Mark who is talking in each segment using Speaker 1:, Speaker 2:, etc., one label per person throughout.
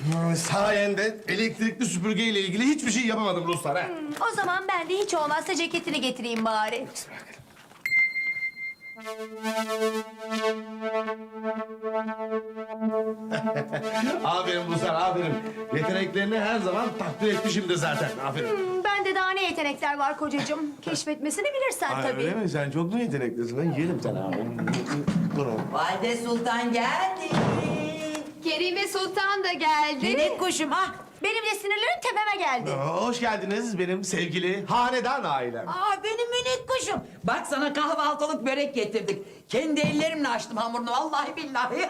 Speaker 1: Sayende elektrikli süpürgeyle ilgili hiçbir şey yapamadım Ruslar ha.
Speaker 2: O zaman ben de hiç olmazsa ceketini getireyim bari.
Speaker 1: Aferin Ruslar, aferin. Yeteneklerini her zaman takdir etmişimdir zaten. Aferin.
Speaker 2: Bende daha ne yetenekler var kocacığım. Keşfetmesini bilirsen tabii.
Speaker 1: Öyle mi? Sen çok mu yeteneklisin? Ben yerim seni abi. Bunu.
Speaker 3: Valide Sultan geldi.
Speaker 4: Kerime Sultan da geldi.
Speaker 3: Minik kuşum ha.
Speaker 2: Benim de sinirlerim tepeme geldi.
Speaker 1: Hoş geldiniz benim sevgili hanedan ailem.
Speaker 3: Aa benim minik kuşum. Bak sana kahvaltılık börek getirdik. Kendi ellerimle açtım hamurunu vallahi billahi.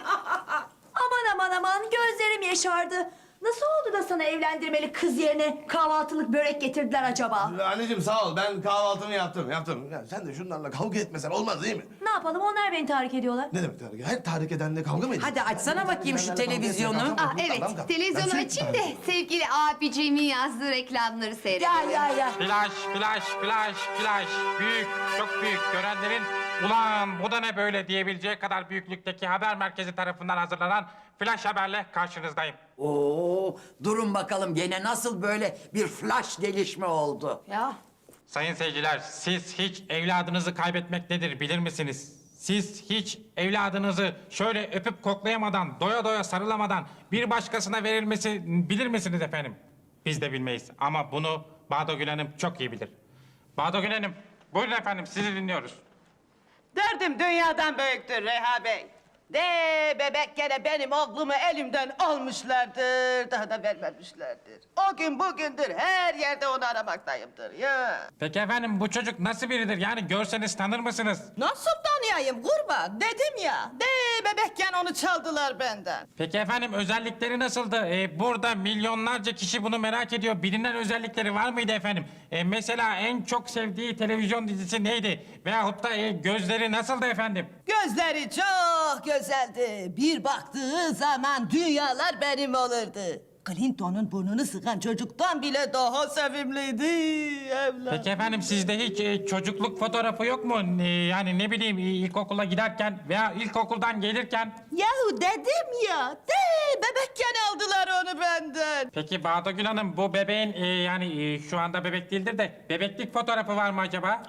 Speaker 2: Aman gözlerim yaşardı. Nasıl oldu da sana evlendirmeli kız yerine kahvaltılık börek getirdiler acaba?
Speaker 1: Anneciğim sağ ol, ben kahvaltımı yaptım. Ya sen de şunlarla kavga etmesen olmaz değil mi?
Speaker 2: Ne yapalım onlar beni tahrik ediyorlar.
Speaker 1: Ne demek tahrik? Her tahrik edenle kavga mı ediyorsun?
Speaker 3: Hadi açsana bakayım şu televizyonu.
Speaker 4: Aa, evet, televizyonu açayım da sevgili abiciğimin yazdığı reklamları seyrediyorum.
Speaker 3: Ya.
Speaker 5: Flash, flash, flash, flash. Büyük, çok büyük. Görenlerin ulan bu da ne böyle diyebileceği kadar büyüklükteki haber merkezi tarafından hazırlanan flash haberle karşınızdayım.
Speaker 3: Oo, durun bakalım gene nasıl böyle bir flash gelişme oldu?
Speaker 2: Ya
Speaker 5: Sayın seyirciler, siz hiç evladınızı kaybetmek nedir bilir misiniz? Siz hiç evladınızı şöyle öpüp koklayamadan, doya doya sarılamadan bir başkasına verilmesi bilir misiniz efendim? Biz de bilmeyiz ama bunu Bağdagül Hanım çok iyi bilir. Bağdagül Hanım, buyurun efendim sizi dinliyoruz.
Speaker 6: Derdim dünyadan büyüktür Reha Bey. De bebek gene benim oğlumu elimden almışlardır. Daha da vermemişlerdir. O gün bugündür her yerde onu aramaktayımdır ya.
Speaker 5: Peki efendim bu çocuk nasıl biridir? Yani görseniz tanır mısınız?
Speaker 6: Nasıl tanıyayım kurban? Dedim ya. De bebekken onu çaldılar benden.
Speaker 5: Peki efendim özellikleri nasıldı? Burada milyonlarca kişi bunu merak ediyor. Bilinen özellikleri var mıydı efendim? Mesela en çok sevdiği televizyon dizisi neydi? Veyahut da gözleri nasıldı efendim?
Speaker 6: Gözleri çok güzeldi. Bir baktığı zaman dünyalar benim olurdu. Clinton'un burnunu sıkan çocuktan bile daha sevimliydi evlat.
Speaker 5: Peki efendim sizde hiç çocukluk fotoğrafı yok mu? Yani ne bileyim ilkokula giderken veya ilkokuldan gelirken.
Speaker 6: Yahu dedim ya, de bebekken aldılar onu benden.
Speaker 5: Peki Bağdagül Hanım bu bebeğin yani şu anda bebek değildir de bebeklik fotoğrafı var mı acaba?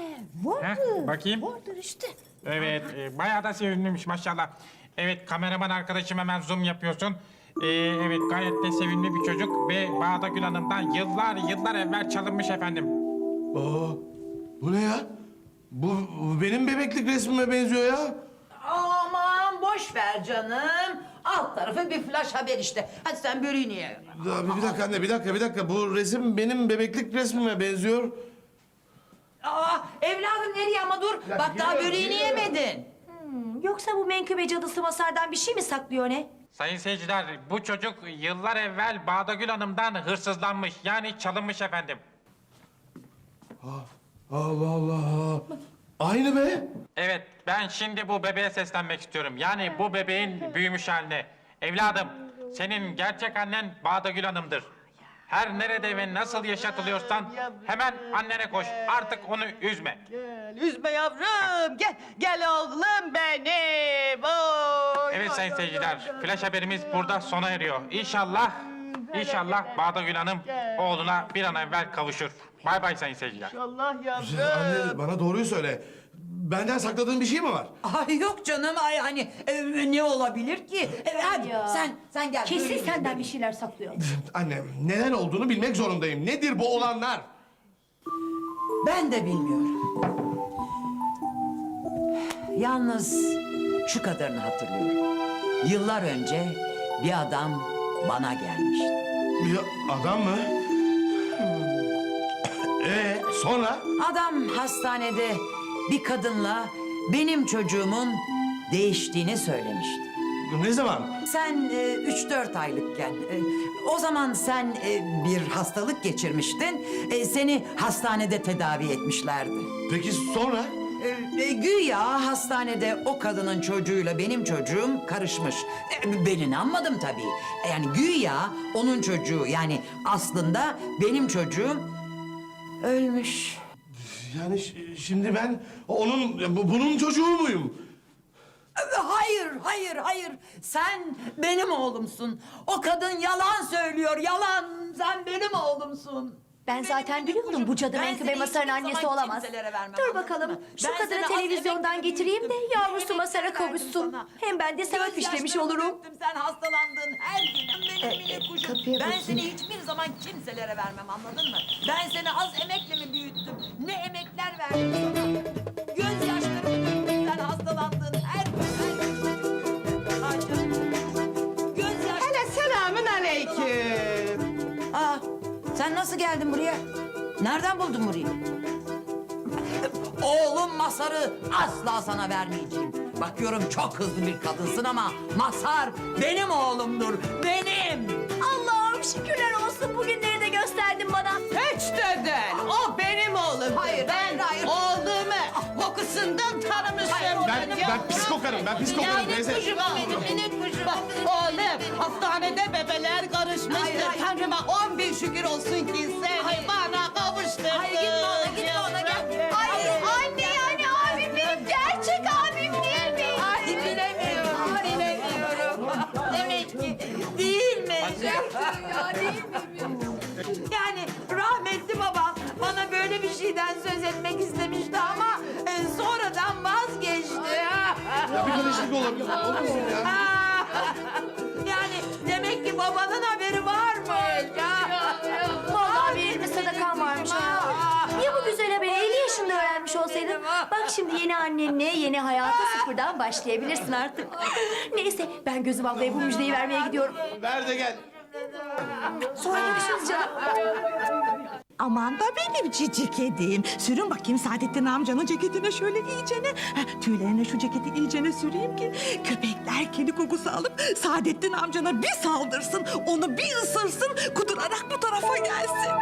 Speaker 6: Vardı.
Speaker 5: Bakayım.
Speaker 6: Vardır işte.
Speaker 5: Evet, bayağı da sevimliymiş maşallah. Evet, kameraman arkadaşım hemen zoom yapıyorsun. Evet, gayet de sevimli bir çocuk ve Bağdagül Hanım'dan yıllar evvel çalınmış efendim.
Speaker 1: Aa, bu ne ya? Bu benim bebeklik resmime benziyor ya.
Speaker 3: Aman boş ver canım. Alt tarafı bir flash haber işte. Hadi sen böreğini ye.
Speaker 1: Ya, bir dakika anne, bir dakika. Bu resim benim bebeklik resmime benziyor.
Speaker 3: Aa evladım nereye ama dur.
Speaker 1: Ya,
Speaker 3: Bak daha
Speaker 1: geliyorum,
Speaker 3: böreğini
Speaker 1: geliyorum.
Speaker 3: yemedin.
Speaker 2: yoksa bu menkıbe cadısı Masar'dan bir şey mi saklıyor ne?
Speaker 5: Sayın seyirciler, bu çocuk yıllar evvel Bağdagül Hanım'dan hırsızlanmış, yani çalınmış efendim.
Speaker 1: Allah Allah. Aynı be.
Speaker 5: Evet, ben şimdi bu bebeğe seslenmek istiyorum. Yani bu bebeğin büyümüş haline. Evladım, senin gerçek annen Bağdagül Hanım'dır. Her nerede ve nasıl yaşatılıyorsan hemen annene koş. Artık onu üzme.
Speaker 6: Gel, üzme yavrum. Gel oğlum benim. Oy,
Speaker 5: Evet
Speaker 6: oy,
Speaker 5: sayın
Speaker 6: oy,
Speaker 5: seyirciler,
Speaker 6: oy, oy.
Speaker 5: flash haberimiz burada sona eriyor. İnşallah Bağdagül Hanım oğluna bir an evvel kavuşur. Bay bay sayın seyirciler.
Speaker 6: Allah
Speaker 1: Anne
Speaker 6: yavrum.
Speaker 1: bana doğruyu söyle. Benden sakladığın bir şey mi var?
Speaker 3: Ay yok canım ay hani ne olabilir ki? Hadi
Speaker 2: Ya.
Speaker 3: sen gel.
Speaker 2: Kesin
Speaker 3: böreğini
Speaker 2: senden
Speaker 3: ye.
Speaker 2: bir şeyler saklıyor.
Speaker 1: Anne neler olduğunu bilmek zorundayım. Nedir bu olanlar?
Speaker 3: Ben de bilmiyorum. Yalnız şu kadarını hatırlıyorum. Yıllar önce bir adam bana gelmişti.
Speaker 1: Bir adam mı? Sonra?
Speaker 3: Adam hastanede bir kadınla benim çocuğumun değiştiğini söylemişti.
Speaker 1: Ne zaman?
Speaker 3: Sen 3-4 aylıkken, o zaman sen bir hastalık geçirmiştin. Seni hastanede tedavi etmişlerdi.
Speaker 1: Peki sonra?
Speaker 3: Güya hastanede o kadının çocuğuyla benim çocuğum karışmış. Ben inanmadım tabii. Yani güya onun çocuğu yani aslında benim çocuğum ölmüş.
Speaker 1: Yani şimdi ben bunun çocuğu muyum?
Speaker 3: Hayır, hayır, hayır. Sen benim oğlumsun. O kadın yalan söylüyor, yalan. Sen benim oğlumsun.
Speaker 2: Ben zaten biliyordum bu cadı Menkıbe Masar'ın annesi olamaz. Dur bakalım şu kadını televizyondan getireyim de yavrusu Masar'a kavuşsun. Hem ben de sevap işlemiş olurum.
Speaker 3: Sen hastalandın her gün. Benim minik kuşum.
Speaker 2: kapıya
Speaker 3: Ben
Speaker 2: bakayım.
Speaker 3: seni hiçbir zaman kimselere vermem, anladın mı? Ben seni az emekle mi büyüttüm? Ne emekler verdim sana? Gözyaşlarımı döktüm, sen hastalandın her gün. Ay canım. Gözyaşlarımı...
Speaker 6: Hele selamün aleyküm.
Speaker 3: Aa, sen nasıl geldin buraya? Nereden buldun burayı? Oğlum Masar'ı asla sana vermeyeceğim. Bakıyorum çok hızlı bir kadınsın ama Masar benim oğlumdur, benim.
Speaker 2: Allah'ım şükürler olsun bugünleri de gösterdin bana.
Speaker 6: Hiç de değil. O benim oğlum.
Speaker 3: Hayır,
Speaker 6: ben
Speaker 3: hayır.
Speaker 6: oğlumu kokusundan tanımışım.
Speaker 1: Ben pis kokarım, ben pis kokarım teyze.
Speaker 6: Kuşum o benim, minik kuşum. Bak oğlum, hastanede bebeler karışmıştır.
Speaker 3: Hayır, hayır.
Speaker 6: Tanrıma 10 bin şükür olsun ki seni bana kavuşturdun.
Speaker 3: Hayır, gitme ona, gitme ona, gel.
Speaker 2: Ay anne yani abim benim gerçek abim değil mi?
Speaker 3: Ay bilemiyorum, bilemiyorum. Demek ki değil mi? Yani rahmetli babam bana böyle bir şeyden söz etmek istemişti ama sonradan vazgeçti.
Speaker 1: Ya bir karışıklık olabilir. Olmasın ya.
Speaker 3: Yani demek ki babanın haberi varmış.
Speaker 2: Vallahi bir elime sadakan varmış ha. Ya bu güzel haberi 50 yaşında öğrenmiş olsaydın? Bak şimdi yeni annenle yeni hayata sıfırdan başlayabilirsin artık. Neyse ben Gözüm ablaya bu müjdeyi vermeye gidiyorum.
Speaker 1: Ver de gel.
Speaker 2: Sonra görüşürüz canım.
Speaker 7: Aman da benim cici kedim. Sürün bakayım Saadettin amcanın ceketine şöyle iyicene. Tüylerine şu ceketi iyicene süreyim ki köpekler kedi kokusu alıp Saadettin amcana bir saldırsın. Onu bir ısırsın, kudurarak bu tarafa gelsin.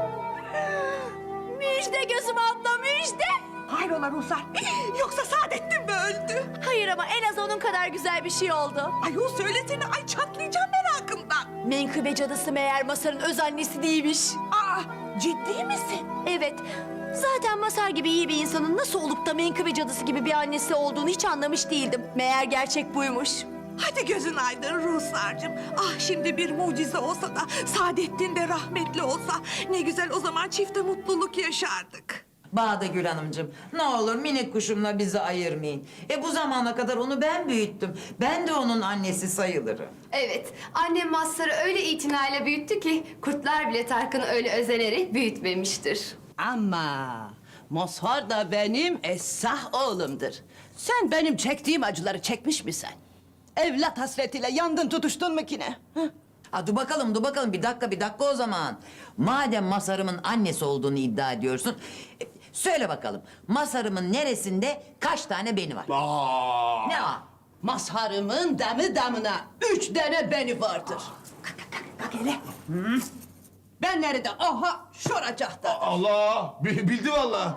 Speaker 2: Müjde Gözüm abla müjde.
Speaker 7: Hayrola Ruhsar? Yoksa Saadettin mi öldü?
Speaker 2: Hayır ama en az onun kadar güzel bir şey oldu.
Speaker 7: Ayol söylesene, ay çatlayacağım merakımdan.
Speaker 2: Menkıbe cadısı meğer Masar'ın öz annesi değilmiş.
Speaker 7: Aa, ciddi misin?
Speaker 2: Evet. Zaten Masar gibi iyi bir insanın nasıl olup da Menkıbe cadısı gibi bir annesi olduğunu hiç anlamış değildim. Meğer gerçek buymuş.
Speaker 7: Hadi gözün aydın Ruhsar'cığım. Ah şimdi bir mucize olsa da Saadettin de rahmetli olsa ne güzel, o zaman çifte mutluluk yaşardık.
Speaker 3: Bağdagül Hanımcığım, ne olur minik kuşumla bizi ayırmayın. Bu zamana kadar onu ben büyüttüm. Ben de onun annesi sayılırım.
Speaker 4: Evet, annem Mazhar'ı öyle itinayla büyüttü ki kurtlar bile Tarkan'ı öyle özenerek büyütmemiştir.
Speaker 6: Ama Mazhar da benim esah oğlumdur. Sen benim çektiğim acıları çekmiş misin? Evlat hasretiyle yandın tutuştun mu ki ne? Hı?
Speaker 3: Dur bakalım, dur bakalım. Bir dakika o zaman. Madem Masar'ımın annesi olduğunu iddia ediyorsun... söyle bakalım, Masar'ımın neresinde kaç tane beni var?
Speaker 1: Aa.
Speaker 3: Ne var?
Speaker 6: Mazharımın damına 3 tane beni vardır.
Speaker 7: Bak hele.
Speaker 6: Ben nerede? Aha şuracakta.
Speaker 1: Allah! Bildi vallahi.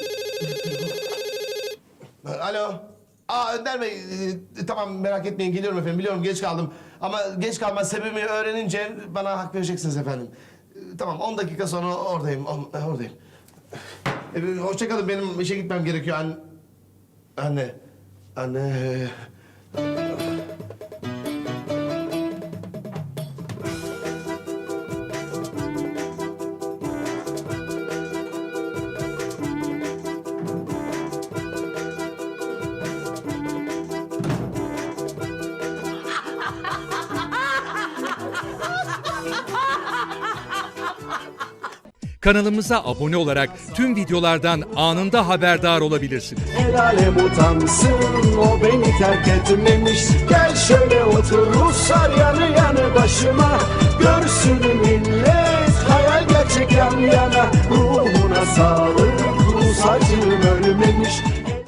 Speaker 1: Alo. Önder Bey, tamam merak etmeyin geliyorum efendim. Biliyorum geç kaldım. Ama geç kalma sebebini öğrenince bana hak vereceksiniz efendim. Tamam 10 dakika sonra oradayım. Oradayım. Hoşça kalın, benim işe gitmem gerekiyor. Anne.
Speaker 8: Kanalımıza abone olarak tüm videolardan anında haberdar olabilirsiniz.
Speaker 9: El alem utansın, o beni terk etmemiş. Gel şöyle otur Ruslar yanı yanı başıma. Görsün millet hayal gerçek yan yana. Ruhuna sağlık Rus acım öyle.